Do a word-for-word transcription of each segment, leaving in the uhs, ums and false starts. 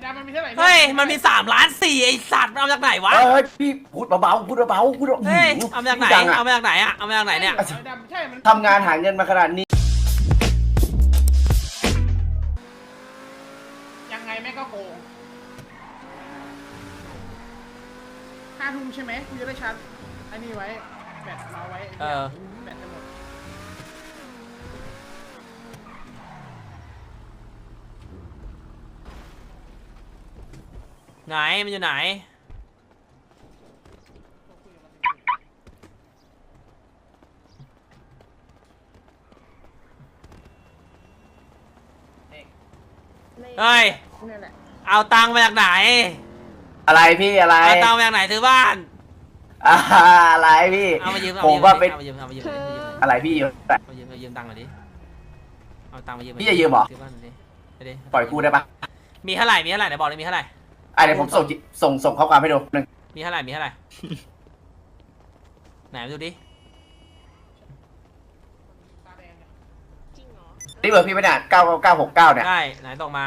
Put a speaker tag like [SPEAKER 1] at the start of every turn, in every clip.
[SPEAKER 1] ดำมันมีเท่าไหร่
[SPEAKER 2] เฮ้ยมันมีสามล้านสี่ไอสัตว์เอาจากไหนวะ
[SPEAKER 3] เฮ้ยพี่พูดเบาๆพูดเบาๆพูด
[SPEAKER 2] เฮ้ยเอามาจากไหนเอามาจากไหนอะเอามาจากไหนเนี่ย
[SPEAKER 1] ดำใช่มัน
[SPEAKER 3] ทำงานหาเงินมาขนาดนี้
[SPEAKER 1] ยังไงแม่ก็โกงห้าทุ่มใช่ไหมกูจะได้ชาร์จอันนี้ไว้แบตเราไว้แบตจะหมด
[SPEAKER 2] ไหนมันอยู่ไหนเฮ้ยเอาตังค์มาจากไหน
[SPEAKER 3] อะไรพี่อะไร
[SPEAKER 2] เอาตังค์มาจากไหนซื้อบ้าน
[SPEAKER 3] อะไรพี่
[SPEAKER 2] เอามายืม
[SPEAKER 3] ผมว่าเป็น
[SPEAKER 2] เอามายืมเอามายืม
[SPEAKER 3] อะไรพี่ยืม
[SPEAKER 2] มายืมมายืมตังค์หน่อยดิเอาตังค์มายืม
[SPEAKER 3] พี่จะยืมเหรอปล่อยกูได้ปะ
[SPEAKER 2] มีเท่าไหร่มีเท่าไหร่ไหนบอกเลยมีเท่าไหร่
[SPEAKER 3] อ่ะเดี๋ยวผมส่งส่งส่งข้อความให้ดูหนึ่ง
[SPEAKER 2] มีเท่าไหร่มีเท่าไหร่ไหนมาดูดิ
[SPEAKER 3] นี่เบอร์พี่ไม่ได้เก้าเก้าหกเก้าเนี่ย
[SPEAKER 2] ได้ไหนตรงมา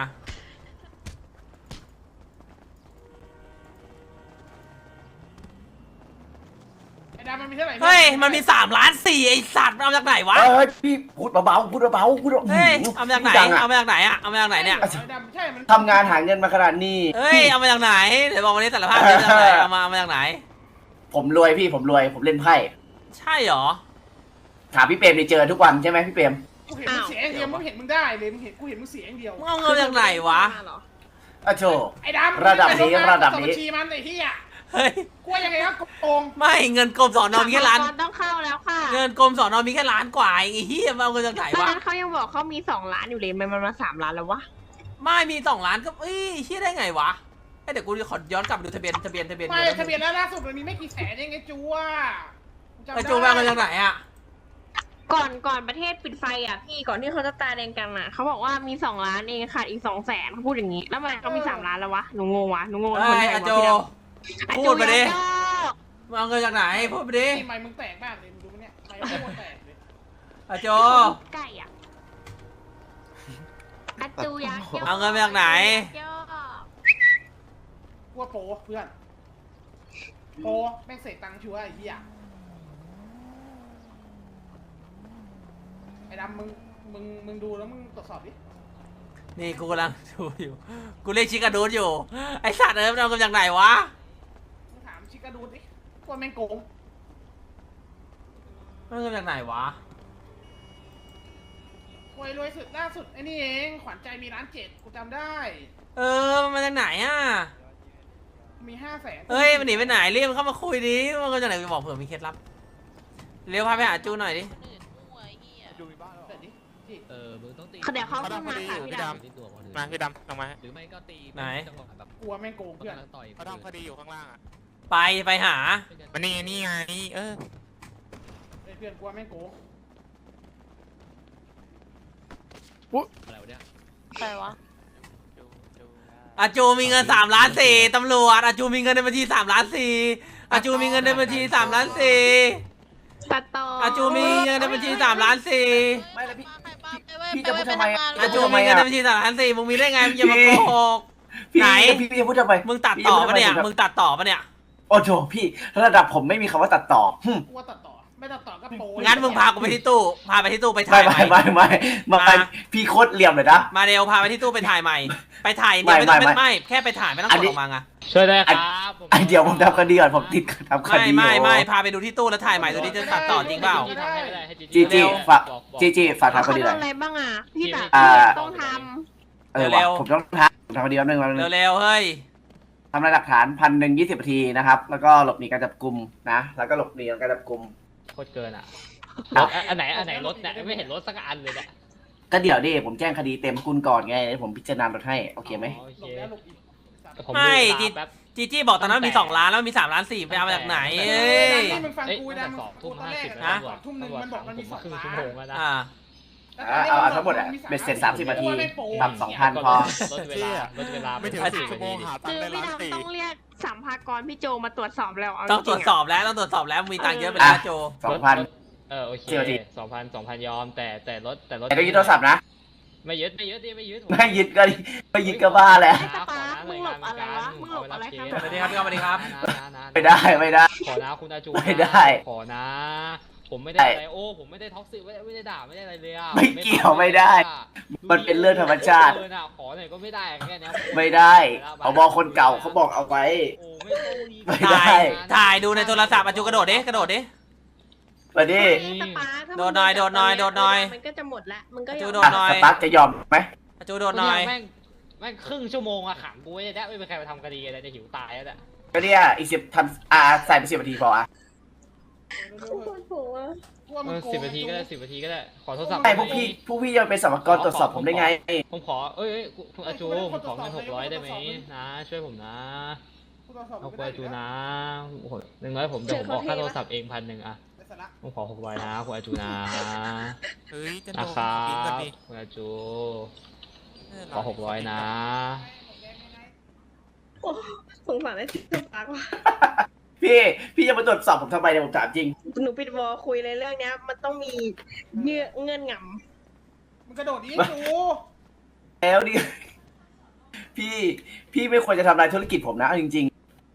[SPEAKER 2] เฮ้ยมันมีสามล้านสี่ไอสัตว์เอาจากไหนวะ
[SPEAKER 3] เฮ้ยพี่พูดเบาๆพูดเบาๆพูด
[SPEAKER 2] เฮ้ยเอามาจากไหนเอามาจากไหนอะเอามาจากไหนเนี่ย
[SPEAKER 3] ทำงานหาเงินมาขนาดนี้
[SPEAKER 2] เฮ้ยเอามาจากไหนเดี๋ยวบอกวันนี้สารภาพเอามาจากไหนเอามาเอามาจากไหน
[SPEAKER 3] ผมรวยพี่ผมรวยผมเล่นไพ่
[SPEAKER 2] ใช่หรอ
[SPEAKER 3] ถามพี่เปรมได้เจอทุกวันใช่ไหมพี่เปรม
[SPEAKER 1] กูเห็นมึงเสียอย่างเดียวมึงเห็นมึงได้เลยมึงเห็นกูเห็นมึงเสียอย่างเดียว
[SPEAKER 2] มึงเอาเงินจากไหนวะ
[SPEAKER 3] อ่ะโจ
[SPEAKER 1] ไอ้ดำ
[SPEAKER 3] ระดับนี้ระดับนี้
[SPEAKER 1] ชีมันไอ้ที่อ่ะ
[SPEAKER 2] เฮ้ย
[SPEAKER 1] กูยังไงครับโกง
[SPEAKER 2] ไม่เงินกรมสอนอมีแค่ล้าน
[SPEAKER 4] ต้องเข้าแล้วค่ะ
[SPEAKER 2] เงินกรมสอนอมีแค่ล้านกว่าไอ้เหี้ยเอาเงินจากไหนวะ
[SPEAKER 4] ตอนนั้นเขายังบอกเขามีสองล้านอยู่เลยมันมาสามล้านแล้ววะ
[SPEAKER 2] ไม่มีสองล้านก็เอ้ยเหี้ยได้ไงวะไอเดี๋ยวกูขอย้อนกลับไปดูทะเบียนทะเบียนทะเบียน
[SPEAKER 1] ไม่ทะเบียนแล้วล่าสุดมันมีไม่กี่แสนเองไอ้จูอ่ะ
[SPEAKER 2] ไอจูเอาเงินจากไหนอ่ะ
[SPEAKER 4] ก่อนก่อนประเทศปิดไฟอ่ะพี่ก่อนที่เขาจะตาแดงกันอ่ะเขาบอกว่ามีสองล้านเองขาดอีกสองแสนเขาพูดอย่างนี้แล้วมันเขามีสามล้านแล้ววะหนูงงวะหนูงง
[SPEAKER 2] ไอ้โจพูดไปดิมึงเอาเงินจากไหนพูดไปดิ
[SPEAKER 1] ไมมึงแตกมากเลยมึงดูเนี่ยไมมึงโคตรแตกเลย
[SPEAKER 2] อาโจ
[SPEAKER 4] ไก่อ่ะอาจูยา
[SPEAKER 2] เอาเงินมาจากไหน
[SPEAKER 1] กูว่าโปเพื่อนโปแม่งเสกตังค์ชัวร์ไอ้เหี้ยไอ้ดำมึงมึงมึงดูแล้วมึงตรวจสอบดิ
[SPEAKER 2] นี่กูกำลังดูอยู่กูเรียกชิคาดูดอยู่ไอสัตว์เอ้ยมันเอาเงินจากไหนวะ
[SPEAKER 1] มึงถามชิคาดูดดิว่าแม่งโกง
[SPEAKER 2] เอาเงินจากไหนวะ
[SPEAKER 1] รวยรวยสุดล่าสุดไอ้นี่เองขวัญใจมีร้านเจ็ดกูจำได้
[SPEAKER 2] เออมันมาจากไหนอ่ะ
[SPEAKER 1] มีห้าแสน
[SPEAKER 2] เฮ้ยมันหนีไปไหนเรียกมันเข้ามาคุยดิมันก็จะไหนไปบอกเผื่อมีเคล็ดลับเร็วพาไปหาจูหน่อยดิ
[SPEAKER 5] จูมีบ้านหรอ
[SPEAKER 4] เออมึงต้องตีเดี๋ยวเขาขึ้นมาค่ะพี่ด
[SPEAKER 5] ำมาพี่ดำลงมา
[SPEAKER 4] หรือไม่ก็ตี
[SPEAKER 2] ไหน
[SPEAKER 1] กลัวแม่งโกงเพื่อน
[SPEAKER 5] เขาทำคดีอยู่ข้างล่างอ่ะ
[SPEAKER 2] ไปไปหา
[SPEAKER 5] มันนี่นี่ไงเออ
[SPEAKER 1] เพื่อนกลัวแม่งโกง
[SPEAKER 4] ปุ๊บอะไรวะเนี่ยใครวะ
[SPEAKER 2] อาจูมีเงินสามล้านสี่ตำรวจอาจูมีเงินในบัญชีสามล้านสี่อาจูมีเงินในบัญชีสามล้านสี่
[SPEAKER 4] ตัดต่อ
[SPEAKER 2] อาจูมีเงินในบัญชีสามล้านสี่
[SPEAKER 3] ไม่แล้วพี่พี่จะพูดทำไม
[SPEAKER 2] อาจูมีเงินในบัญชีสามล้านสี่มึงมีได้ไงมึงอย่ามาโกหกไหน
[SPEAKER 3] พี่พี่จะพูดทำไม
[SPEAKER 2] มึงตัดต่อปะเนี่ยมึงตัดต่อปะเนี่ย
[SPEAKER 3] โอ้โหพี่ระดับผมไม่มีคำว่าตัดต่อ
[SPEAKER 1] กูว่าตัดต่อไม่ตัดต่อก็โป
[SPEAKER 2] งั้นมึงพากูไปที่ตู้พาไปที่ตู้ไปถ่ายใหม่
[SPEAKER 3] ไม่ไม่ไม่ไม่พี่โคตรเหลี่ยมเลยนะ
[SPEAKER 2] มาเร็วพาไปที่ตู้ไปถ่ายใหม่ไปถ่ายเนี่ยไม่ต้องไม่แค่ไปถ่ายไม่ต้องกดออกมาไง
[SPEAKER 5] ช่วยได้ครับ
[SPEAKER 3] ไอเดี๋ยวผมทำคดีก่อนผมติดทำคดี
[SPEAKER 2] ไม่ไม่ไม่พาไปดูที่ตู้แล้วถ่ายใหม่ดูที่จะตัดต่อจริงเปล่า
[SPEAKER 3] จีจีฝากจีจีฝากทำคดีหน่อย
[SPEAKER 4] อะไรบ้างอ่ะพี่ตัดต้องท
[SPEAKER 3] ำเออเร็วผมต้องทำทำคดีแป๊บนึงแป๊บนึง
[SPEAKER 2] เร็วๆเฮ้ย
[SPEAKER 3] ทำลายหลักฐานพันหนึ่งยี่สิบนาทีนะครับแล้วก็หลบหนีการจับกุมนะแล้วก็หลบหนีการจับกุม
[SPEAKER 5] โคตรเกินอ่ะอันไหนอันไหนรถเนี่ยไม่เห็นรถสักอันเลยเนี่ย
[SPEAKER 3] ก็เดี๋ยวดิผมแจ้งคดีเต็มกุลก่อนไงผมพิจารณารถให้โอเคไหม
[SPEAKER 2] ไม่จีจี้บอกตอนนั้นมีสองล้านแล้วมีสามล้านสี่ไปเอามาจากไหนเอ้ย
[SPEAKER 1] นี่มึงฟังกูนะทุ่มห้าสิบนะทุ่มหนึ่งมันบอกมันมีสองล้าน
[SPEAKER 2] อ่า
[SPEAKER 3] เอาเอาทั้งหมดอ่ะเบ็ดเสร็จสามสิบนาทีปรับสองพันพอ
[SPEAKER 5] ลดเวลาลดเวลาไม่ถึงสิบชั่วโมงหาตังค์ได้ล้านสี่
[SPEAKER 4] ต้องเรียกสัมภากรพี่โจมาตรวจสอบแล้ว
[SPEAKER 2] ต้องตรวจสอบแล้วต้องตรวจสอบแล้วมีตังค์เยอะไปแล้วโจ
[SPEAKER 3] สองพัน
[SPEAKER 5] เออโอเคสองพันสองพันยอมแต่แต่รถแต่รถ
[SPEAKER 3] แต่ต้องยึดโทรศัพท์นะ
[SPEAKER 5] ไม่ยึดไม่ยึดดิไม่ยึด
[SPEAKER 3] ไม่ยึดก็ไม่ยึดก็บ้าแหละ
[SPEAKER 4] ตาปามึงหลบอะไรวะมึงหลบอะไรครับ
[SPEAKER 2] สวัสดีครับพี่สวัสดีครับ
[SPEAKER 3] ไม่ได้ไม่ได้
[SPEAKER 5] ขอนะคุณอาจู
[SPEAKER 3] ไม่ได้
[SPEAKER 5] ขอนะ ผมไม่ได้อะไรโอ้ผมไม่ได้ท็อกซิกไม่ได้ไม่ได้ด่าไม่ได้อะไรเลยอ่ะ
[SPEAKER 3] ไม่เกี่ยวไม่ได้ มันเป็นเรื่องธรรมชาติ
[SPEAKER 5] เออน่ะขอหน่อยก็ไม่ได้แค่เนี้ย
[SPEAKER 3] ไม่ได้เขาบอกคนเก่าเขาบอกเอาไว้
[SPEAKER 5] โอ้ไม่ต้องมี
[SPEAKER 3] ไม่ได้
[SPEAKER 2] ถ่ายถ่ายดูในโทรศัพท์อาจูกระโดดดิกระโดดดิ
[SPEAKER 3] มาดิ
[SPEAKER 4] ตาปาถ้ามึง
[SPEAKER 2] โดนหน่อยโดนหน่อยโดนหน่อย
[SPEAKER 4] มันก็จะหมดละมึงก็
[SPEAKER 2] จู
[SPEAKER 4] ยอม
[SPEAKER 2] โดนหน่อย
[SPEAKER 3] สตาร์ทจะยอมไหม
[SPEAKER 2] อาจูโดดหน่อย
[SPEAKER 5] แม่งแม่งครึ่งชั่วโมงอะขังกูไว้เนี่ยไม่มีใครมาทำคดีอะไรจะหิวตายแล้วเนี่ย
[SPEAKER 3] ก็เนี่ยอีกสิบทำอ่าใส่ไปสิบนาทีพออ่ะ
[SPEAKER 4] กูปวดหัว
[SPEAKER 1] ว่า
[SPEAKER 5] เอ
[SPEAKER 1] มัน
[SPEAKER 5] อ
[SPEAKER 1] โกง
[SPEAKER 5] สิบนาทีก็ได้สิบนาทีก็ได้ขอโทรศัพท์
[SPEAKER 3] ไม่พวกพี่พวกพี่จะเป็นสมรกรตรวจสอบผมได้ไง
[SPEAKER 5] ผมขอเอ้ยเอ้ยคุณอาจูผมขอเงินหกร้อยได้ไหมนะ ช่วยผมนะ
[SPEAKER 1] กูตรวจสอบ
[SPEAKER 5] เอา
[SPEAKER 1] ไม่
[SPEAKER 5] คุณ
[SPEAKER 1] ได้
[SPEAKER 5] อาจูนะโอ้โหหนึ่งร้อยผมเดี๋ยวผมบอกค่าโทรศัพท์เองพันหนึ่งอะ
[SPEAKER 1] ไม่สาระ
[SPEAKER 5] ผมขอหกร้อยนะคุณอาจูนะ
[SPEAKER 6] เฮ้ยจะโด
[SPEAKER 5] นะ
[SPEAKER 6] น
[SPEAKER 5] ครับ
[SPEAKER 6] บินก่อนดิ
[SPEAKER 5] คุณอาจูขอหกร้อยนะ
[SPEAKER 4] โอ้สงสารไอ้ที่ปากว่ะ
[SPEAKER 3] พี่พี่จะมาตรวจสอบผมทำไมเนี่ยผมถามจริง
[SPEAKER 4] หนูปิดวอลคุยเลยเรื่องเนี้ย มันต้องมีเงื่อนเงื่อนง
[SPEAKER 1] มันกระโดดอีกดู
[SPEAKER 3] แล้วดิพี่พี่ไม่ควรจะทำลายธุรกิจผมนะเอาจริง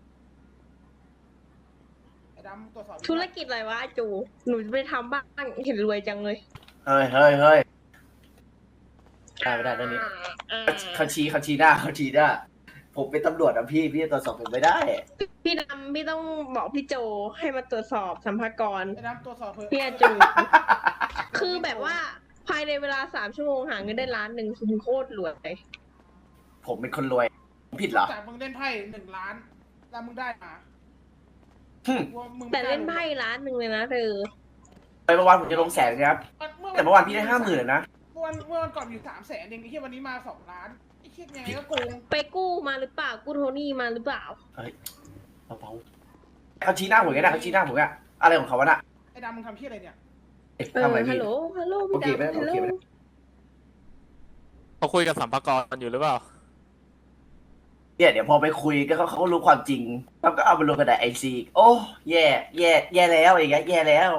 [SPEAKER 1] ไอ้ดำตรวจสอบ
[SPEAKER 4] ำธุรกิจอะไรวะอาจู หนูจะไปทำบ้างเห็นรวยจังเลย
[SPEAKER 3] ๆเฮ้ยเฮ้ยเฮ้ยได้ไม่ได้เรื่องนี้
[SPEAKER 4] อ่า
[SPEAKER 3] เขาชี้เขาชี้หน้าเขาชี้หน้าผมเป็นตำรวจนะพี่พี่จะตรวจสอบผมไม่ได้
[SPEAKER 4] พี่ดำพี่ต้องบอกพี่โจให้มาตรวจสอบสัมภากระ
[SPEAKER 1] ไอ้ดำตรวจสอบเพื่อ
[SPEAKER 4] พี่อาจู คือแบบว่าภายในเวลาสามชั่วโมงหาเงินได้ล้านหนึ่งคือโคตรรวย
[SPEAKER 3] ผมเป็นคนรวยผมผิดเหรอ
[SPEAKER 1] จากมึงเล่นไพ่หนึ่งล้านแล้วมึงได้มา
[SPEAKER 3] หึ
[SPEAKER 1] ว่ามึง
[SPEAKER 4] แต่เล่นไพ่ล้านหนึ่งเลยนะเธอ
[SPEAKER 3] ไปเมื่อวานผมจะลงแสนนะครับแต่เมื่อวานพี่ได้ห้าหมื่นนะ
[SPEAKER 1] เมื่อวันเมื่อวันก่อนอยู่สามแสนเองไอ้เหี้ยวันนี้มาสองล้านไอ้เหี้ยยังไงก็โกง
[SPEAKER 4] ไปกู้มาหรือเปล่า กู้โทนี่มาหรือเปล่า
[SPEAKER 3] เบาๆเขาชี้หน้าผมไงนะเขาชี้หน้าผมอะอะไรของเขาวะน่ะ
[SPEAKER 1] ไอ้ดำมึงทำเหี้ยอะไรเนี่ย
[SPEAKER 3] เอ๊ะ
[SPEAKER 4] เออ
[SPEAKER 3] ทำอะไร
[SPEAKER 4] ฮั
[SPEAKER 3] พี่
[SPEAKER 4] ลโหล ฮัลโหล
[SPEAKER 3] โอ
[SPEAKER 4] พี่
[SPEAKER 3] เคไหม
[SPEAKER 4] ดำฮัลโหล
[SPEAKER 3] โอเคไหม
[SPEAKER 6] เขาคุยกับสัมภากระอยู่หรือเปล่า
[SPEAKER 3] เนี่ยเดี๋ยวพอไปคุยก็เขาเขารู้ความจริงแล้วก็เอาไปลงกระดาษไอซีโอ้แย่แย่แย่แล้วอย่างเงี้ยแย่แล้ว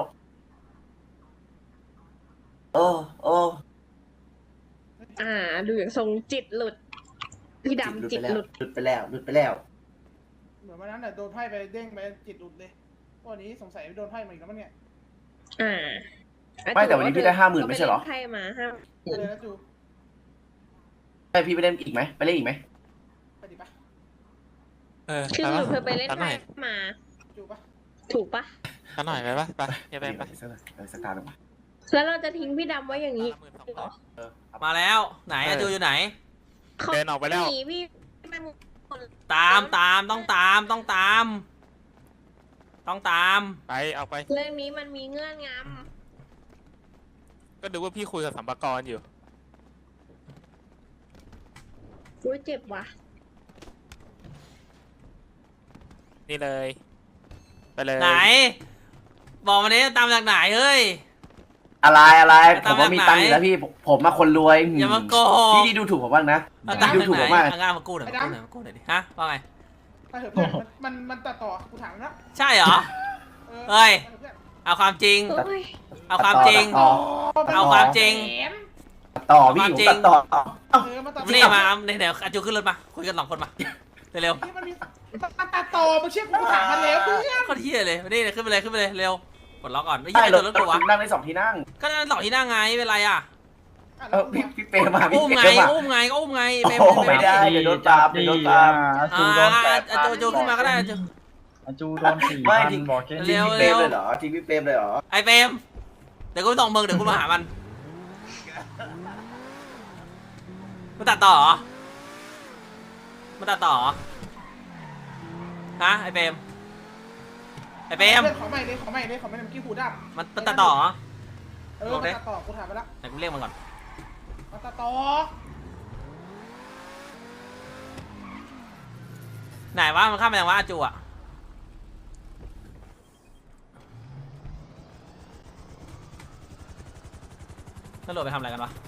[SPEAKER 3] โอ้โอ้
[SPEAKER 4] อ่า ดูอย่างทรงจิตหลุด พี่ดำจิต
[SPEAKER 3] ไปแล้ว
[SPEAKER 4] หลุด
[SPEAKER 3] หลุดไปแล้วหลุดไปแล้ว
[SPEAKER 1] เหมือนวันนั้นน่ะโดนไพ่ไปเด้งไปจิตหลุดเลยวันนี้สงสัยโดนไพ่มาอีกแล้วมั้งเนี่ย
[SPEAKER 4] อ่า
[SPEAKER 3] ไม่แต่วันนี้พี่ได้ห้าหมื่นไม่ใช่เหรอ
[SPEAKER 4] ก็ปเล่นไพ่มาห้า
[SPEAKER 1] เลยนะจู
[SPEAKER 3] ให้พี่ไปเล่นอีกไหมไปเล่นอีกไหม
[SPEAKER 1] ไปดิปะ
[SPEAKER 6] เออ
[SPEAKER 4] คือ
[SPEAKER 6] ไป
[SPEAKER 4] ห
[SPEAKER 6] ปะ
[SPEAKER 4] นูเคยไปเล่น
[SPEAKER 6] สักหน่
[SPEAKER 4] ไพ่
[SPEAKER 6] อย
[SPEAKER 4] มา
[SPEAKER 1] จูปะ
[SPEAKER 4] ถูกปะ
[SPEAKER 6] สักหน่อยไปปะไปอย่าไปไป
[SPEAKER 3] สักหน่อยเออสักตาหนึ่งมา
[SPEAKER 4] แล้วเราจะทิ้งพี่ดำไว้อย่างนี้
[SPEAKER 6] หมื่นสองร้อย
[SPEAKER 3] เออเอา
[SPEAKER 2] มาแล้วไหนอาจูอยู่ไหน
[SPEAKER 4] เขา
[SPEAKER 6] เดินออกไปแล้ว
[SPEAKER 4] หนีพี่ไปหมด
[SPEAKER 2] ตามตามต้องตามต้องตาม ต้องตาม
[SPEAKER 6] ไปเอาไป
[SPEAKER 4] เรื่องนี้มันมีเงื่อนง
[SPEAKER 6] ก็ดูว่าพี่คุยกับสัมภากระอยู่
[SPEAKER 4] ำอุ้ยเจ็บว่ะ
[SPEAKER 6] นี่เลย ไปเลย
[SPEAKER 2] ไหน บอกมานี้ตามจากไหนเฮ้ย
[SPEAKER 3] อะไรอะไร
[SPEAKER 2] ตาม
[SPEAKER 3] ผมว่ามี
[SPEAKER 2] แบบไหน
[SPEAKER 3] ตังค์อยู่แล้วพี่ผมผมมาคนรวย
[SPEAKER 2] อย่ามาโกหก
[SPEAKER 3] พี่ดีดูถูกผมบ้างนะ
[SPEAKER 2] เอาตาม
[SPEAKER 3] พี่
[SPEAKER 2] จา
[SPEAKER 3] ดู
[SPEAKER 2] ก
[SPEAKER 3] ถูก
[SPEAKER 2] ไหน
[SPEAKER 3] ผมมาก
[SPEAKER 2] เอางานมากู้หน่อยมากู้หน่อยมากู้หน่อยดิฮะว่าไง
[SPEAKER 1] ไปเถอะเพื่อนมันมันตัดต่อกูถามนะ
[SPEAKER 2] ใช่เหรอ
[SPEAKER 1] เออ
[SPEAKER 2] เฮ้ย
[SPEAKER 1] ไปเถอะเพื่อน
[SPEAKER 2] เอาความจริง
[SPEAKER 4] โอ้ย
[SPEAKER 2] เอาความจริง
[SPEAKER 3] ต่อ
[SPEAKER 2] เอาความจริง
[SPEAKER 3] ต่อพี่
[SPEAKER 2] ความ
[SPEAKER 3] ผม
[SPEAKER 2] จริง
[SPEAKER 3] ตัดต่อ
[SPEAKER 1] เออมาตัดต่อ
[SPEAKER 2] นี่มาเดี๋ยวเดี๋ยวอาจูขึ้นรถมา คุยกันสองคนมา เร็ว
[SPEAKER 1] ที่มันมีมันตัดต่อมาเชื่อกูถามมันแล้วเพื่อน
[SPEAKER 2] ๆก็เที่ยเลยนี่ขึ้นไปเลยขึ้นไปเลยเร็วกดล็อกก่อนไม่
[SPEAKER 3] ใช่
[SPEAKER 2] ใช่
[SPEAKER 3] ร
[SPEAKER 2] ร
[SPEAKER 3] ถ
[SPEAKER 2] ถรถกูวะ
[SPEAKER 3] นั่งได้สองที่นั่ง
[SPEAKER 2] ก็นั่นสองที่นั่งไงเป็นไรอ่ะ
[SPEAKER 3] เออพี่พี่เปย์มาพี่
[SPEAKER 2] อุ้ม
[SPEAKER 3] เป
[SPEAKER 2] ไง
[SPEAKER 3] ย์มา
[SPEAKER 2] อุ้มไงก็อุ้มไง
[SPEAKER 3] โอ้
[SPEAKER 2] เป
[SPEAKER 3] โหไม่ได้เดี๋ยวโดนตามเดี๋ยวโดนตาม
[SPEAKER 2] อ่าอาจูจูขึ้นมาก็ได้อาจู
[SPEAKER 7] อาจูโดนสี่
[SPEAKER 3] ไม่
[SPEAKER 7] พัน
[SPEAKER 3] ที่
[SPEAKER 7] บอกแค่
[SPEAKER 2] เร็
[SPEAKER 7] นี้
[SPEAKER 2] ว
[SPEAKER 3] พี่เปย์เลยเหรอทีพี่เปย์เลยเหรอ
[SPEAKER 2] ไอเฟรมเดี๋ยวกูไปส่งมึงเดี๋ยวกูมาหามันมันตัดต่อเหรอมันตัดต่อเหรอฮะไอเฟรมไอเฟรม
[SPEAKER 1] เพื่อนขอใหม่เลยขอใหม่เลยขอใหม่เลยเมื่อกี้หูดับ
[SPEAKER 2] มันมันตัดต่อเหรอ
[SPEAKER 1] เออมันตัดต่อกูถามไปละ
[SPEAKER 2] ไหนกูเรียกมันก่อน
[SPEAKER 1] มันตัดต่อ
[SPEAKER 2] ไหนวะมันข้ามไปยังวะอาจูอะตำรวจไปทำอะไรกันวะ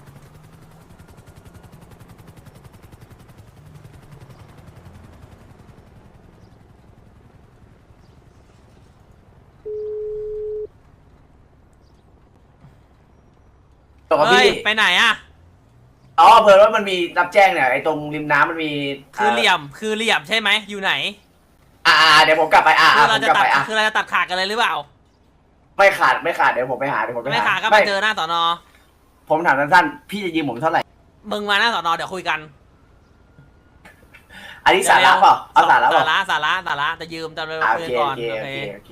[SPEAKER 3] ต่อ
[SPEAKER 2] เฮ้ย
[SPEAKER 3] พี่
[SPEAKER 2] ไปไหนอะ
[SPEAKER 3] เอาอ๋อเพิ่นว่ามันมีรับแจ้งเนี่ยไอ้ตรงริมน้ำมันมี
[SPEAKER 2] คือเหลี่ยมคือเหลี่ยมใช่ไหมอยู่ไหน
[SPEAKER 3] อ่าเดี๋ยวผมกลับไปอ่า
[SPEAKER 2] คือ
[SPEAKER 3] ผ
[SPEAKER 2] เรา
[SPEAKER 3] ม
[SPEAKER 2] จะ
[SPEAKER 3] กลับ
[SPEAKER 2] ตัด
[SPEAKER 3] ไปอ่ะ
[SPEAKER 2] คือเราจะตัดขาดกันเลยหรือเปล่า
[SPEAKER 3] ไม่ขาดไม่ขาดเดี๋ยวผมไปหาเดี๋ยวผมไป
[SPEAKER 2] ไม่
[SPEAKER 3] หา
[SPEAKER 2] ขาดก็มาเจอหน้าสอนอ
[SPEAKER 3] ผมถามสั้นๆพี่จะยืมผมเท่าไหร่
[SPEAKER 2] มึงมาหน้าสอนอเดี๋ยวคุยกัน
[SPEAKER 3] อันนี้สาระเปล่าเอาสาระเปล่า
[SPEAKER 2] สาระสาระสาระจะยืมจะไป
[SPEAKER 3] อ่าโอ
[SPEAKER 2] คุย
[SPEAKER 3] เค
[SPEAKER 2] ก่อ
[SPEAKER 3] โอน เค
[SPEAKER 2] โอ
[SPEAKER 3] โอ
[SPEAKER 2] เค
[SPEAKER 3] เคโอเค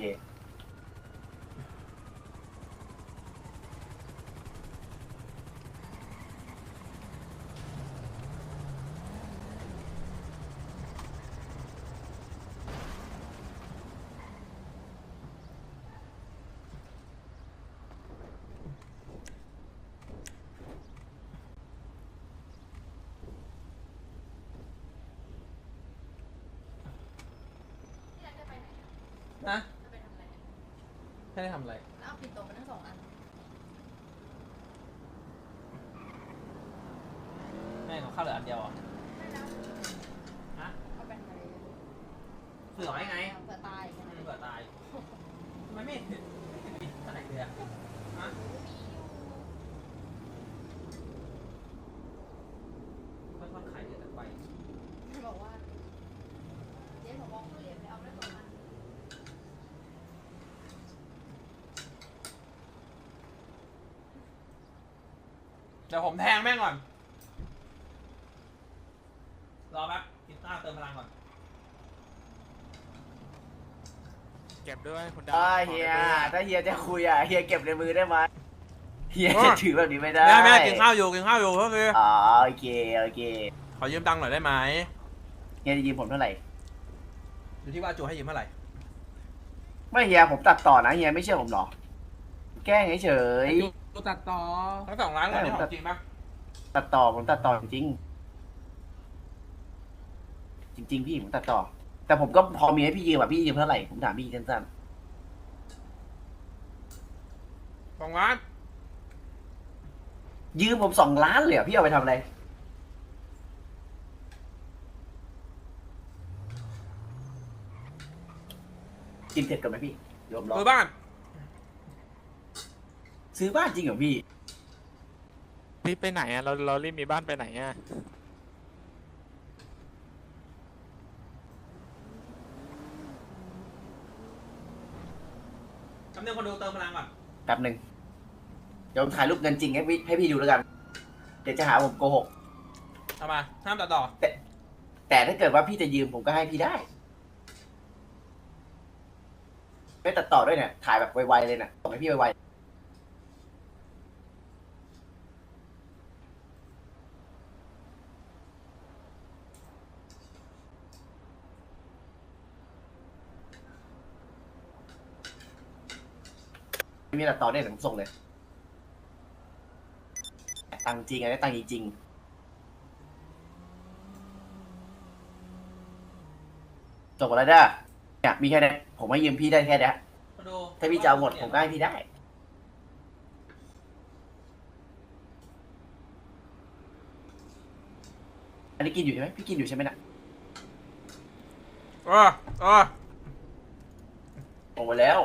[SPEAKER 2] นะไม่ได้ทำอะไร
[SPEAKER 7] เอาปิดโต๊ะมาทั้งสองอัน
[SPEAKER 2] ไม่ของข้าวเหลืออันเดียวอ่ะฮะ
[SPEAKER 7] เอาไปทำอะไร
[SPEAKER 2] เผื่อไว้ไง
[SPEAKER 7] เผื่อตายใช่ไหม
[SPEAKER 2] เผื่อตายทำไมไม่เห็นไม่เห็นมีเท่าไหร่เลยอ่ะฮะค่อยๆขายเดือนไป
[SPEAKER 7] บอกว่าเจ๊ผมมองเหรียญไปเอาได้สองอัน
[SPEAKER 2] เดี๋ยวผมแทงแม่งก่อน รอแป๊บกินข้าวเติมพลังก่อน
[SPEAKER 6] เก็บด้วยคุณดา
[SPEAKER 3] อ่า
[SPEAKER 6] ขอ
[SPEAKER 3] เฮีย
[SPEAKER 6] ด้วย
[SPEAKER 3] ถ้าเฮียจะคุยอ่ะเฮียเก็บในมือได้ไหมเฮียจะถือแบบนี้ไม่ได้
[SPEAKER 2] แม่แม่กินข้าวอยู่กินข้าวอยู่ก็คือ
[SPEAKER 3] อ๋อโอเคโอเค
[SPEAKER 2] ขอยืมตังค์หน่อยได้ไหม
[SPEAKER 3] เฮียจะยืมผมเท่าไหร่
[SPEAKER 2] อยู่ที่ว่าจูให้ยืมเท่าไหร่
[SPEAKER 3] ไม่เฮียผมตัดต่อนะเฮียไม่เชื่อผมหรอแกล้งเฉย
[SPEAKER 1] กูตัดต่อ
[SPEAKER 2] ทั้งสองร้านเลยนี่ของจริงปะ
[SPEAKER 3] ๆตัดต่อผมตัดต่อจริงๆจริง ๆ พี่ผมตัดต่อ แต่ผมก็พอมีให้พี่ยืมอ่ะพี่ยืมเท่าไหร่ผมถามพี่สั้น
[SPEAKER 2] สองร้าน
[SPEAKER 3] ๆยืมผมสองล้านเลยอ่ะพี่เอาไปทำอะไรกินเสร็จกันไหมพี่เดี๋ยวผมรอ
[SPEAKER 2] ซื้อบ้าน
[SPEAKER 3] ซื้อบ้านจริงเหรอพี่
[SPEAKER 6] รีบไปไหนอ่ะเราเรารีบมีบ้านไปไหนอ่ะ
[SPEAKER 2] จำเนียงคนดูเติมพลังก่อน
[SPEAKER 3] แป๊บหนึ่งเดี๋ยวผมถ่ายรูปเงินจริงให้พี่ให้พี่ดูแล้วกัน เดี๋ยวจะหาผมโกหก
[SPEAKER 2] เอามาห้ามตัดต่อ
[SPEAKER 3] แต่ถ้าเกิดว่าพี่จะยืมผมก็ให้พี่ได้ ไม่ตัดต่อด้วยเนี่ย ถ่ายแบบไวๆเลยนะส่งให้พี่ไวๆ ไม่มีตัดต่อเนี่ยผมส่งเลย ตังค์จริงไงได้ตังค์จริงๆส่งมาแล้วเด้อเนี่ยมีแค่นี้ผมให้ยืมพี่ได้แค่นี้
[SPEAKER 2] คนดู
[SPEAKER 3] ถ้าพี่จะเอาหมดผมก็ให้พี่ได้ อันนี้กินอยู่ใช่ไหมพี่กินอยู่ใช่ไหมน่ะ
[SPEAKER 2] เออเออ
[SPEAKER 3] ออกมาแล้ว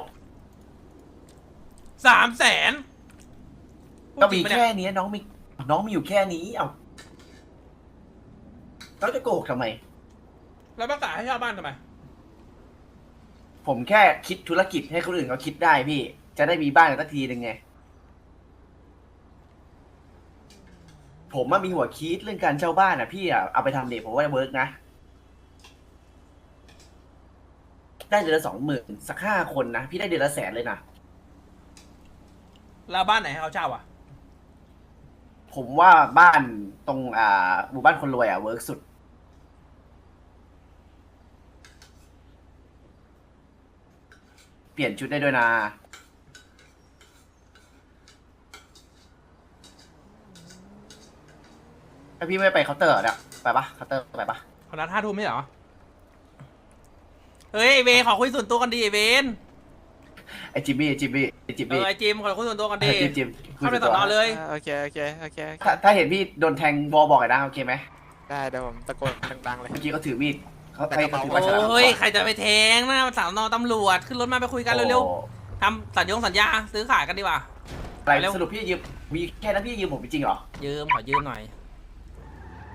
[SPEAKER 2] สามแสน
[SPEAKER 3] ก็มีแค่นี้น้องมีน้องมีอยู่แค่นี้เอ้าเราจะโกหกทำไม
[SPEAKER 2] แล้วประกาศให้เช่าบ้านทำไม
[SPEAKER 3] ผมแค่คิดธุรกิจให้คนอื่นเขาคิดได้พี่ จะได้มีบ้านกันสักทีหนึ่งไง ผมว่ามีหัวคิดเรื่องการเช่าบ้านอ่ะพี่อ่ะเอาไปทำเด็กผมว่าเวิร์กนะ ได้เดือนละสองหมื่นสักห้าคนนะ พี่ได้เดือนละแสนเลยนะ
[SPEAKER 2] แล้วบ้านไหนให้เขาเช่าอ่ะ
[SPEAKER 3] ผมว่าบ้านตรงอ่าหมู่บ้านคนรวยอ่ะเวิร์กสุด เปลี่ยนชุดได้ด้วยนะถ้าพี่ไม่ไปเคาน์เตอร์เนี่ยไปปะเคาน์เตอร์ไปปะ
[SPEAKER 2] เขานัดห้าทุ่มไม่เหรอ เฮ้ยไอเวนขอคุยส่วนตัวกันดีไอเวน
[SPEAKER 3] ไอจิมมี่ไอจิมมี่ไอจิม
[SPEAKER 2] เอ
[SPEAKER 3] มี่
[SPEAKER 2] อไอจิมขอคุยส่วนตัวกัน
[SPEAKER 3] ไอ
[SPEAKER 2] ดี
[SPEAKER 3] จิมจิมคุย
[SPEAKER 2] เข้าไป
[SPEAKER 3] ส่
[SPEAKER 2] ต่
[SPEAKER 3] วน
[SPEAKER 2] อ
[SPEAKER 3] ตัว
[SPEAKER 2] เลย
[SPEAKER 6] อ่าโอเคโอเคโอเคโอเค
[SPEAKER 3] ถ้าถ้าเห็นพี่โดนแทงบอบอกเลยนะโอเคไหม
[SPEAKER 6] ได้เดี๋ยวผมตะโกนดังๆเลย
[SPEAKER 3] เมื่อกี้เขาถือมีดเขา
[SPEAKER 6] แต่
[SPEAKER 3] ใคร
[SPEAKER 6] กระ
[SPEAKER 3] เขา
[SPEAKER 6] เป๋า
[SPEAKER 3] ถือ
[SPEAKER 2] โอ
[SPEAKER 3] มาฉลาม
[SPEAKER 2] ้ยใครจะไปแทงนะสาวนอตำรวจขึ้นรถมาไปคุยกันเร็ว
[SPEAKER 3] โอ้
[SPEAKER 2] ๆทำสัญญงสัญญาซื้อขายกันดีกว่า
[SPEAKER 3] อะไร
[SPEAKER 2] เร็ว
[SPEAKER 3] สรุปพี่ยืมมีแค่นั้นพี่ยืมผมจริงเหรอ
[SPEAKER 2] ยืมขอยืมหน่อย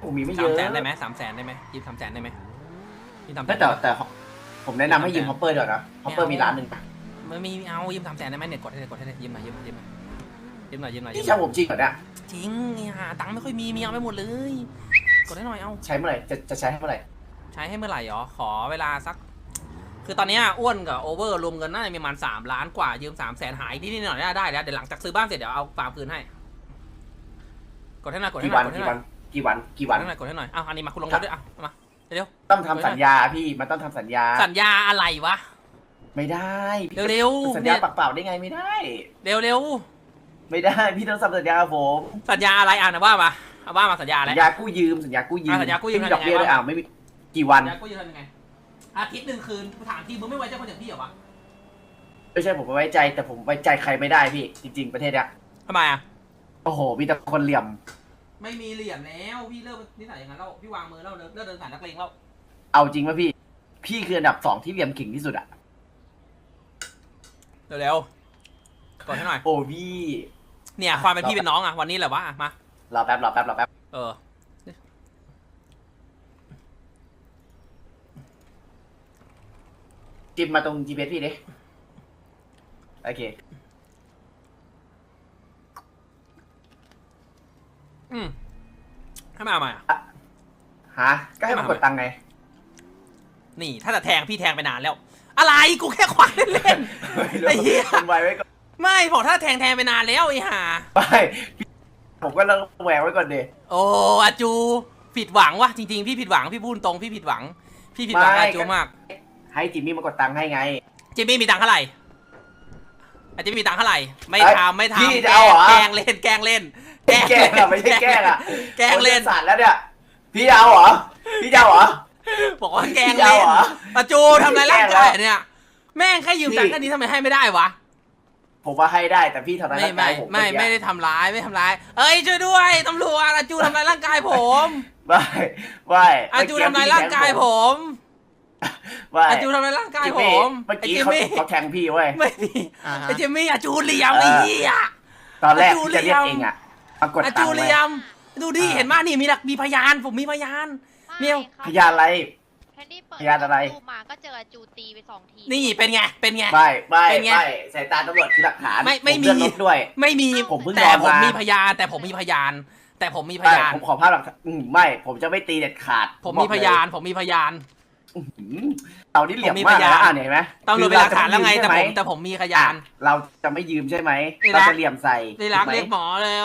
[SPEAKER 3] ผมมีไม่เย
[SPEAKER 2] สาม
[SPEAKER 3] อะ
[SPEAKER 2] แสนได้ไหมสามแสนได้ไหมยืมสามแสนได้ไหมยืมสามแส
[SPEAKER 3] แต่
[SPEAKER 2] น
[SPEAKER 3] แต่แต่ผมแนะนำให้ยืมฮอปเปอร์เดี๋ยวนะฮอปเปอร์มีร้านหนึ่ง
[SPEAKER 2] ไม่มีเอายืมสามแสนได้ไหมเนี่ยกดให้เลยกดให้เลยยืมหน่อยยืมหน่อยยืมหน่อยยืมหน่อยยืมหน่อยยื
[SPEAKER 3] พี่
[SPEAKER 2] มหน่
[SPEAKER 3] เช่า
[SPEAKER 2] อย
[SPEAKER 3] ผมจริงเหรอเนี่ย
[SPEAKER 2] จริงหาตังค์ไม่ค่อยมีมีเอาไปหมดเลยกดให้หน่อยเอา
[SPEAKER 3] ใช้เมื่อไหร่จะจะใช้เมื่อไหร่
[SPEAKER 2] ใช้ให้เมื่อไหร่หรอขอเวลาสัก คือตอนเนี้ยอ้วนกับโอเวอร์รวมเงินน่าจะมีประมาณสามล้านกว่ายืมสามแสนหายนิดๆหน่อยๆได้แล้วเดี๋ยวหลังจากซื้อบ้านเสร็จเดี๋ยวเอาฟาร์มคืนให้กดให้หน่อยกดให้
[SPEAKER 3] กี่
[SPEAKER 2] หน่
[SPEAKER 3] วั
[SPEAKER 2] อน ยกดให้
[SPEAKER 3] กี่
[SPEAKER 2] หน่
[SPEAKER 3] วั
[SPEAKER 2] อน ย
[SPEAKER 3] กี่วันกี่
[SPEAKER 2] ก
[SPEAKER 3] วั
[SPEAKER 2] ด
[SPEAKER 3] น
[SPEAKER 2] ให้หน่อยกดให้หน่อยเอาอันนี้มาคุณลงรถด้วยเอามาเร็ว
[SPEAKER 3] ต้องทำสัญญาพี่มันต้องทำสัญญา
[SPEAKER 2] สัญญาอะไรวะ
[SPEAKER 3] ไม่ได้
[SPEAKER 2] เร็วๆ
[SPEAKER 3] สัญ
[SPEAKER 2] เนี่
[SPEAKER 3] ญาย ปากเปล่าได้ไงไม่ได้
[SPEAKER 2] เร็วเร็ว
[SPEAKER 3] ไม่ได้พี่ต้องทำสัญญากับผม
[SPEAKER 2] สัญญาอะไรอ่ะนะว่ามาเอาว่ามาสัญญาอะไร
[SPEAKER 3] สัญญากู้ยืมสัญญากู้ยืม
[SPEAKER 2] อ่ะสัญญากู้ยืม
[SPEAKER 3] ไม่มีดอกเบี้ย
[SPEAKER 2] ทำยังไง
[SPEAKER 3] ด้วย
[SPEAKER 2] วะ
[SPEAKER 3] อ่ะไม่มีกี่วัน
[SPEAKER 2] สัญญากูจะทำยังไงอาทิตย์หนึ่งคืนถามทีมึงไม่ไว้ใจคนอย่างพี่เหรอวะ
[SPEAKER 3] ไม่ใช่ผมไม่ไว้ใจแต่ผมไว้ใจใครไม่ได้พี่จริง ๆประเทศเนี้ย
[SPEAKER 2] ทำไมอ่ะ
[SPEAKER 3] โอ้โหมีแต่คนเหลี่ยม
[SPEAKER 2] ไม่มีเหรียญแล้วพี่เลิกนิสัยอย่างนั้นแล้วพี่วางมือแล้วเลิกเลิกเดินสายนักเลงแล้ว
[SPEAKER 3] เอาจริงป่ะพี่ พี่คืออันดับสองที่เหลี่ยมขิงที่สุดอะ
[SPEAKER 2] เร็วๆกดให้หน่อย
[SPEAKER 3] โอ้พี่
[SPEAKER 2] เนี่ยความเป็นพี่เป็นน้องอ่ะวันนี้แหละวะอ่ะมาร
[SPEAKER 3] อแป๊บรอแป๊บรอแป๊บ
[SPEAKER 2] เออ
[SPEAKER 3] จิ้มมาตรง จี พี เอส พี่ดิโอเค
[SPEAKER 2] อืมให้มาเอามาอ่ะ
[SPEAKER 3] ฮะก็ให้มันกดตังค์ไง
[SPEAKER 2] นี่ถ้าจะแทงพี่แทงไปนานแล้ว อะไรกูแค่ควายเล่นๆไอ้เหี้ย
[SPEAKER 3] คนไว้ไว้ก่อน
[SPEAKER 2] ไม่บอกถ้าแทงแทงไปนานแล้วไอ้ห่า
[SPEAKER 3] ไม่พี่ผมก็ต้องแหวกไว้ก่อนดิ
[SPEAKER 2] โอ้อาจูผิดหวังวะจริงๆพี่ผิดหวังพี่พูดตรงพี่ผิดหวัง พี่ผิดหวังอาจูมาก
[SPEAKER 3] ให้จิมมี่มากดตังค์ให้ไง
[SPEAKER 2] จิมมี่มีตังค์เท่าไหร่อาจจะมีตังค์เท่าไหร่ไม่
[SPEAKER 3] เอ้ย
[SPEAKER 2] ทำไม่ทำ
[SPEAKER 3] พี่จะเอาเหรอ
[SPEAKER 2] แกล้งเล่นแกล้งเล่น
[SPEAKER 3] แกล้งอะไม่ใช่แกล้งอะ
[SPEAKER 2] แกล้งเล่น
[SPEAKER 3] โอ้ยสารแล้วเนี่ยพี่จะเอาเหรอพี่จะเอาเหรอ
[SPEAKER 2] บอกว่าแกล้ง
[SPEAKER 3] พี่จะเอา
[SPEAKER 2] เล่น
[SPEAKER 3] เหรอ
[SPEAKER 2] อาจูทำอะไรร่าง
[SPEAKER 3] แกล้
[SPEAKER 2] กาย
[SPEAKER 3] งแล้ว
[SPEAKER 2] เนี่ยแม่งแค่ยืมตังค์แค่นี้ทำไมให้ไม่ได้วะ
[SPEAKER 3] ผมว่าให้ได้แต่พี่ทำร้าย
[SPEAKER 2] ไม่
[SPEAKER 3] ร่าง
[SPEAKER 2] ไม่
[SPEAKER 3] กายผม
[SPEAKER 2] ไม่
[SPEAKER 3] เอกี้
[SPEAKER 2] ไม่ได้ทำร้ายไม่ทำร้าย เอ้ยช่วยด้วยตำรวจอาจูทำร้ายร่างกายผม
[SPEAKER 3] ไม่ไม่
[SPEAKER 2] อาจูทำร้ายร่างกายผม
[SPEAKER 3] ไม่
[SPEAKER 2] อาจูทำร้ายร่างกาย
[SPEAKER 3] จิม
[SPEAKER 2] ผ
[SPEAKER 3] มี่
[SPEAKER 2] ม
[SPEAKER 3] เมื่อ
[SPEAKER 2] ไอ้
[SPEAKER 3] กี้
[SPEAKER 2] จิม
[SPEAKER 3] เขา
[SPEAKER 2] มี่
[SPEAKER 3] เขาแทงพี่เว้ย
[SPEAKER 2] ไม่มี
[SPEAKER 6] อ่าฮะ
[SPEAKER 2] ไอ้จิมมี่อาจูเหลี่ยมไอ้เหี้ย
[SPEAKER 3] ตอนแรก
[SPEAKER 2] อาจู
[SPEAKER 3] พี่จะเรียก
[SPEAKER 2] เหลี่ยม
[SPEAKER 3] เองอะมากด
[SPEAKER 2] อา
[SPEAKER 3] ตั
[SPEAKER 2] จู
[SPEAKER 3] งค์
[SPEAKER 2] เห
[SPEAKER 3] ไว้
[SPEAKER 2] ลี่ยมดูดิเห็นมั้ยนี่มีหลักมีพยานผมมีพยาน เมียว
[SPEAKER 3] พยานอะไร
[SPEAKER 7] แคนดี้เปิด
[SPEAKER 3] พยานอะไร
[SPEAKER 7] รูปมาก็เจออาจูตีไปสองที
[SPEAKER 2] นี่เป็นไงเป็นไง
[SPEAKER 3] ไม่ไม่
[SPEAKER 2] เป็นไง
[SPEAKER 3] ไม่สายตาตำรวจคือหลักฐาน
[SPEAKER 2] ไม่ไม่
[SPEAKER 3] ผ
[SPEAKER 2] มี
[SPEAKER 3] เลื่อนรถด้วย
[SPEAKER 2] ไม่มี
[SPEAKER 3] ผมเพิ่ง
[SPEAKER 2] แต่
[SPEAKER 3] นอน
[SPEAKER 2] ผม
[SPEAKER 3] มามี
[SPEAKER 2] มีพยาน แต่ผมมีพยาน แต่ผมมีพ
[SPEAKER 3] ไม่
[SPEAKER 2] ยาน
[SPEAKER 3] ผมขอภาพหลักฐานอืมไม่ผมจะไม่ตีเด็ดขาด
[SPEAKER 2] ผม
[SPEAKER 3] บอ
[SPEAKER 2] มี
[SPEAKER 3] ก
[SPEAKER 2] พ
[SPEAKER 3] เลย
[SPEAKER 2] ยาน ผมมีพยาน
[SPEAKER 3] อื้อหือเรานี่เหลี่ยม
[SPEAKER 2] ผมมี
[SPEAKER 3] มาก
[SPEAKER 2] พยาน
[SPEAKER 3] นะอ่านเห็นไหม
[SPEAKER 2] ตำรวจเป็นหลักฐานแล้วไงแต่ผมแต่ผมมีพยาน
[SPEAKER 3] อ่ะเราจะไม่ยืมใช่ไหม
[SPEAKER 2] ที่รั
[SPEAKER 3] เรา
[SPEAKER 2] ก
[SPEAKER 3] จะเหลี่ยมใส่
[SPEAKER 2] ได้รัก
[SPEAKER 3] ถูไหม
[SPEAKER 2] เรียกหมอแล้ว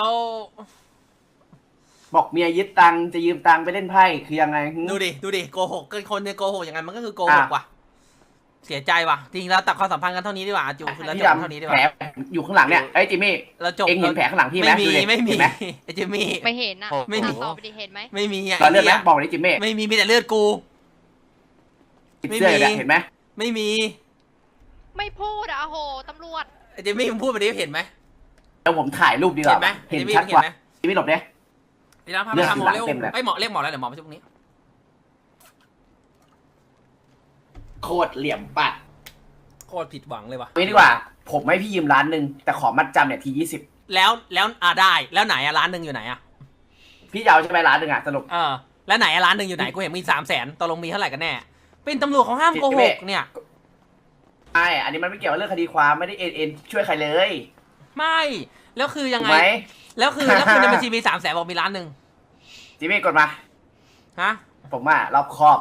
[SPEAKER 3] บอกเมียยึดตังค์จะยืมตังค์ไปเล่นไพ่คือยังไงหึ
[SPEAKER 2] ดูดิดูดิโกหกเกินคนเนี่ยโกหกอย่างนั้นมันก็คือโกหก
[SPEAKER 3] อ่ะ
[SPEAKER 2] ว่ะเสียใจว่ะจริงแล้วตัดความสัมพันธ์กันเท่านี้ดีกว่าอาจูคือแล้ว
[SPEAKER 3] พี่
[SPEAKER 2] จบ
[SPEAKER 3] ดำ
[SPEAKER 2] เท่านี้ดีก
[SPEAKER 3] แผล
[SPEAKER 2] ว่า
[SPEAKER 3] อยู่ข้างหลังเนี่ยไอ้ยจิมมี่
[SPEAKER 2] เราจบ
[SPEAKER 3] เอ็งเห็นแผลข้างหลังพี่ไหม
[SPEAKER 2] ไม่มี
[SPEAKER 3] ดูดิ
[SPEAKER 2] ไม่มี
[SPEAKER 3] เห็นไหม
[SPEAKER 2] ไอ้จิมมี่
[SPEAKER 7] ไม่เห็นอ่ะ
[SPEAKER 2] ไม่มี
[SPEAKER 7] ตอบไปดิเห็นไหม
[SPEAKER 2] ไม่มีอ่ะ
[SPEAKER 3] ตอนเลือดไหม
[SPEAKER 2] ไหี้ย
[SPEAKER 3] บอกเลยจิมมี่
[SPEAKER 2] ไม่มีมีแต่เลือดกู
[SPEAKER 3] ติดเสื้อ
[SPEAKER 2] ไม่มี
[SPEAKER 3] เนี่ยเห็นไหม
[SPEAKER 2] ไม่มี
[SPEAKER 7] ไม่พูดอ่ะโอ้โหตำรวจ
[SPEAKER 2] ไอ้จิมมี่มึงพูดไปดิเห็นไหม
[SPEAKER 3] เดี๋ยวผมถ่ายรูปดีก
[SPEAKER 2] เห็
[SPEAKER 3] ว่าน
[SPEAKER 2] ไหม
[SPEAKER 3] เห็น
[SPEAKER 2] จิมมี่
[SPEAKER 3] ชัด
[SPEAKER 2] เห็
[SPEAKER 3] ก
[SPEAKER 2] น
[SPEAKER 3] ว่า
[SPEAKER 2] ไหม
[SPEAKER 3] จิมมี่หลบเนี่ย
[SPEAKER 2] ดีแล้วพา
[SPEAKER 3] เลื
[SPEAKER 2] ไป
[SPEAKER 3] อด
[SPEAKER 2] ทำหมอเร็ว
[SPEAKER 3] เต็มเลย
[SPEAKER 2] ไอ้ยหมอเรียกหมอแล้วเดี๋ยวหมอมาช่วยพวกนี้
[SPEAKER 3] โคตรเหลี่ยมปัด
[SPEAKER 2] โคตรผิดหวังเลยว่ะ
[SPEAKER 3] นี่ดีกว่า ผมให้พี่ยืมล้านหนึ่งแต่ขอมัดจำเนี่ยทียี่สิบ
[SPEAKER 2] แล้วแล้วอ่าได้แล้วไหนอะร้านหนึ่งอยู่ไหนอะ
[SPEAKER 3] พี่จะเอาใช่ไหมล้านหนึ่งอะสรุป
[SPEAKER 2] เออแล้วไหนอะร้านหนึ่งอยู่ไหนกูเห็นมีสามแสนตกลงมีเท่าไหร่กันแน่เป็นตำรวจเขาห้ามโกหกเนี่ย
[SPEAKER 3] ใช่อันนี้มันไม่เกี่ยวกับเรื่องคดีความไม่ได้เอ็นเอ็นช่วยใครเลย
[SPEAKER 2] ไม่แล้วคือยัง
[SPEAKER 3] ถูก
[SPEAKER 2] ไง
[SPEAKER 3] ไหม
[SPEAKER 2] แล้วคือแล้วคือในบัญชีมีสามแสนบอกมีร้านหนึ่ง
[SPEAKER 3] จิมมี่กดมา
[SPEAKER 2] ฮะ
[SPEAKER 3] ผมว่ารอบคอบ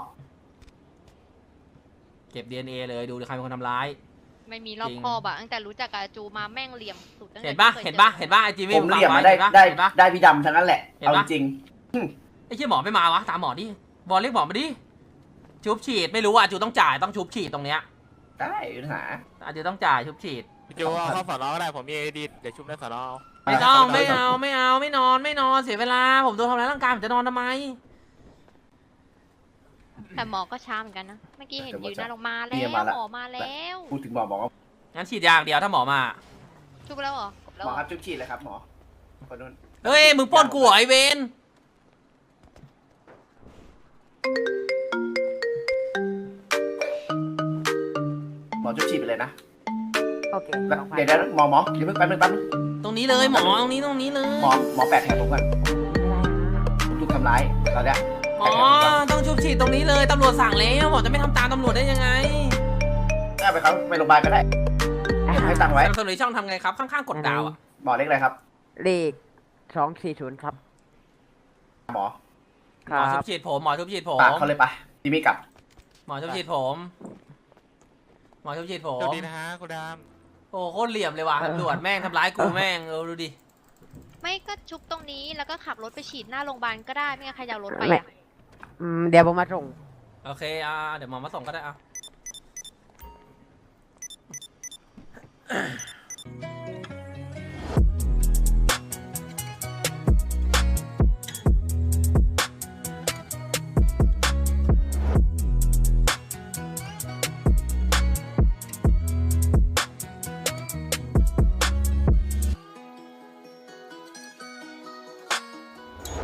[SPEAKER 2] เก็บ ดี เอ็น เอ เลยดูใครเป็นคนทำร้าย
[SPEAKER 7] ไม่มีรอบ
[SPEAKER 2] จริง
[SPEAKER 7] คอบอะตั้งแต่รู้จักกับอาจูมาแม่งเหลี่ยมสุดตั้งแต่
[SPEAKER 2] เห็นปะ
[SPEAKER 7] ที่คย
[SPEAKER 2] เห็นปะ
[SPEAKER 7] จอ
[SPEAKER 2] เห็นปะไอจี
[SPEAKER 3] ผ
[SPEAKER 2] มี่
[SPEAKER 3] มเหลี่ยมมาได้ได้
[SPEAKER 2] เห็นปะ
[SPEAKER 3] ได้พี่ดำทั้งนั้นแหละ
[SPEAKER 2] เห็น
[SPEAKER 3] เอา
[SPEAKER 2] ปะ
[SPEAKER 3] จริง
[SPEAKER 2] ไอ้เชี่ยหมอไม่มาวะตามหมอดิบอลเรียกหมอมาดิชุบฉีดไม่รู้ว่าจูต้องจ่ายต้องชุบฉีดตรงเนี้ย
[SPEAKER 3] ได้ปัญหา
[SPEAKER 2] อาจจะต้องจ่ายชุบฉีด
[SPEAKER 6] พี่จูเอาเข้าสอนอก็ได้ผมมีไอดีเดี๋ยวชุบในสอนอ
[SPEAKER 2] ไม่ต้องไม่เอาไม่เอาไม่นอนไม่นอนเสียเวลาผมโดนทำร้ายร่างกายผมจะนอนทำไม
[SPEAKER 7] แต่หมอก็ช้าเหมือนกันนะ เมื่อกี้เห็นยืนหน้าลงมาแล้
[SPEAKER 3] เมียว มาละ
[SPEAKER 7] หมอมาแล้ว
[SPEAKER 3] พูดถึงหมอบอกว่า
[SPEAKER 2] งั้นฉีดยางเดียวถ้าหมอมา
[SPEAKER 7] ชุบแล้วเหรอจบแล้ว
[SPEAKER 3] หม
[SPEAKER 7] เห
[SPEAKER 3] อ
[SPEAKER 7] รอ
[SPEAKER 3] ครับจุ๊บฉีดเลยครับหมอคนนู้น
[SPEAKER 2] เฮ้ยมึงปล้นกูเหรอไอเวน
[SPEAKER 3] หมอจุ๊บฉีดไปเลยนะ
[SPEAKER 8] โอเค
[SPEAKER 3] แล้วเดี๋ยวเดี๋ยวหมอหมอเดี๋ยวเพิ่งแป๊บนึงแป๊บนึง
[SPEAKER 2] ตรงนี้เลยหมอตรงนี้ตรงนี้เลย
[SPEAKER 3] หมอหมอแปะแผลผมก่อนผมถูกทำร้ายตอนเนี้ย
[SPEAKER 2] หมอต้องชุบฉีดตรงนี้เลยตำรวจสั่งแล้วหมอจะไม่ทำตามตำรวจได้ยังไง
[SPEAKER 3] ได้ไปครับไปโรงพยาบาลก็ได้เก็บให้ตังค์ไว้
[SPEAKER 2] สนับสนุนช่องทำไงครับข้างๆกดดาวอ่ะ
[SPEAKER 3] หมอเล็กอะไรครับ
[SPEAKER 8] เลขสองสี่ศูนย์ครับ
[SPEAKER 3] หมอ
[SPEAKER 2] หมอชุบฉีดผมหมอชุบฉีดผม
[SPEAKER 3] ปากเขาเลยไปพี่มีกลับ
[SPEAKER 2] หมอชุบฉีดผมหมอชุบฉีดผม
[SPEAKER 6] สวัสดีนะฮะคุณดาม
[SPEAKER 2] โอ้โคตรเหลี่ยมเลยว่ะตำรวจแม่งทำร้ายกูแม่งเออดูดิ
[SPEAKER 7] ไม่ก็ชุบตรงนี้แล้วก็ขับรถไปฉีดหน้าโรงพยาบาลก็ได้ไม่งั้นใครจะเอารถไป
[SPEAKER 8] ไม่
[SPEAKER 7] อ่ะ
[SPEAKER 8] อืมเดี๋ยวผมมาส่ง
[SPEAKER 2] โอเคอ่าเดี๋ยวหมอมาส่งก็ได้อ่ะ